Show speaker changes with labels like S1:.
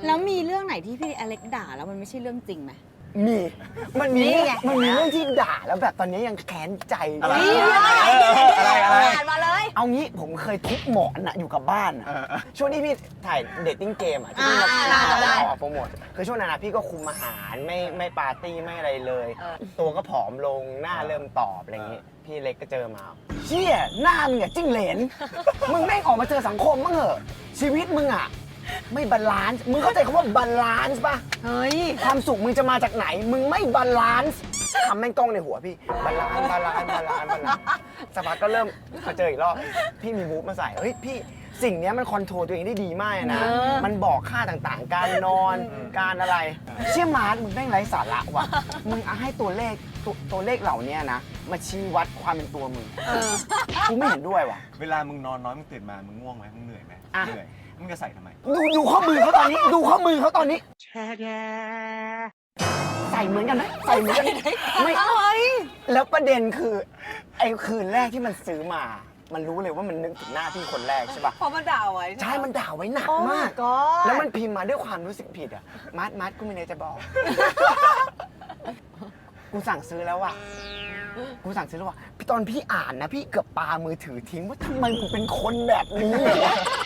S1: แล้วมีเรื่องไหนที่พี่อเล็กด่าแล้วมันไม่ใช่เรื่องจริงไหม
S2: มีมันมีเรื่องที่ด่าแล้วแบบตอนนี้ยังแค้นใจอะไร
S1: มาเลย
S2: เอางี้ผมเคยทุบหมอนอะอยู่กับบ้านอะช่วงที่พี่ถ่ายเดทติ้งเกมอะที่พี่มาออกโปรโมทคือช่วงนั้นนะพี่ก็คุมอาหารไม่ปาร์ตี้ไม่อะไรเลย ตัวก็ผอมลงหน้าเริ่มตอบอะไรอย่างงี้พี่เล็กก็เจอมาเชี่ยหน้ามึงอะจิ้งเหลนมึงแม่งออกมาเจอสังคมมั้งเหอะชีวิตมึงอะไม่บาลานซ์มึงเข้าใจคำว่าบาลานซ์ป่ะเฮ้ยความสุขมึงจะมาจากไหนมึงไม่บาลานซ์คำแม่งกล้องในหัวพี่บาลานซ์สักพักก็เริ่มมาเจออีกรอบพี่มีมูฟมาใส่เฮ้ยพี่สิ่งนี้มันคอนโทรลตัวเองได้ดีมากนะมันบอกค่าต่างๆการนอนการอะไรเชี่ยมาร์ทมึงแม่งไร้สาระว่ะมึงเอาให้ตัวเลขเหล่านี้นะมาชี้วัดความเป็นตัวมึงกูไม่เห็นด้วยว่ะ
S3: เวลามึงนอนน้อยมึงตื่นมามึงง่วงไหมมึงเหนื่อยไหมเหนื่อยมึงจะใส่ทำไม
S2: ดูข้อมือเขาตอนนี้ดูข้อมือเขาตอนนี้ใส่เหมือนกันไหมใส่เหมือนกันไม่แล้วประเด็นคือไอ้คืนแรกที่มันซื้อมามันรู้เลยว่ามันนึกถึงหน้าพี่คนแรกใช่ป่ะ
S1: เพราะมันด่าไว้
S2: ใช่มันด่าไว้หนักมากแล้วมันพิมพ์มาด้วยความรู้สึกผิดอ่ะมัดกูมีอะไรจะบอกกูสั่งซื้อแล้วว่ะตอนพี่อ่านนะพี่เกือบปามือถือทิ้งว่าทำไมมึงเป็นคนแบบนี้